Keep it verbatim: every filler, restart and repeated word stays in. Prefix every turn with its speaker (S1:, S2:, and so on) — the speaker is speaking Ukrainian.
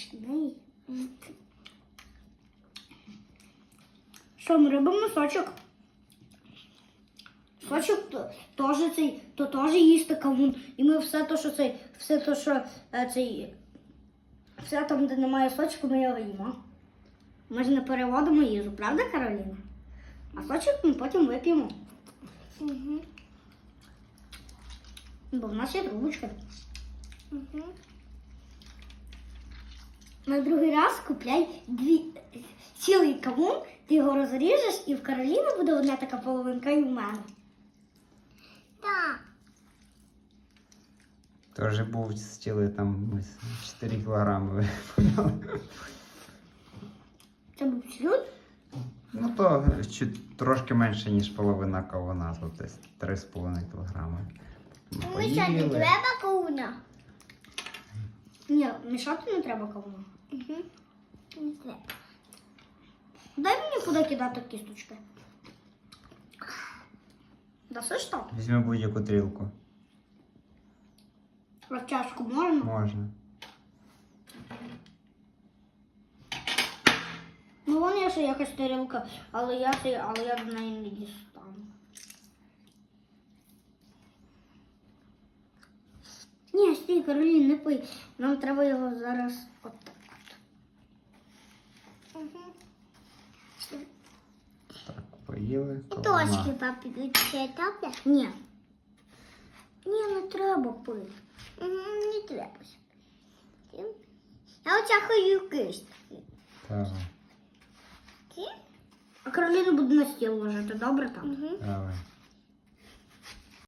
S1: смачний. Що, ми робимо сочок? Сочок то, теж цей, то теж їсти кавун. І ми все то, що цей, все то, що е, цей, все там, де немає сочку, ми його їмо. Ми ж не переводимо їжу, правда, Кароліна? А сочок ми потім вип'ємо.
S2: Угу.
S1: Бо в нас є трубочка.
S2: Угу.
S1: На другий раз купляй дві, цілий кавун, ти його розріжеш, і в Кароліни буде одна така половинка, і в мене.
S2: Так.
S3: Тоже був стіли там ми чотири кілограми випадали.
S1: Це був слюд?
S3: Ну то чуть трошки менше, ніж половина кавуна, тут десь три з половиною кілограми. Ми
S2: Ну що, не
S3: поїли.
S2: треба кауна?
S1: Ні, мішати не треба кавуна.
S2: Угу. Не треба.
S1: Дай мені куди кидати кісточки. Даси ж так?
S3: Візьми будь-яку трілку.
S1: А чашку можна?
S3: Можна.
S1: Ну вон є ще якась тарілка, але я, цей- але я до неї не дістану. Ні, стій, Каролін, не пий. Нам треба його зараз отак.
S2: Угу.
S3: Так, поїли.
S2: І
S3: кавуна.
S2: точки папі ще добре?
S1: Ні. Ні, не треба пити.
S2: Угу, не треба. Я оця хочу кистки.
S3: Давай,
S1: А Кароліна буде на стіл ложити, добре там?
S2: Угу.
S3: давай.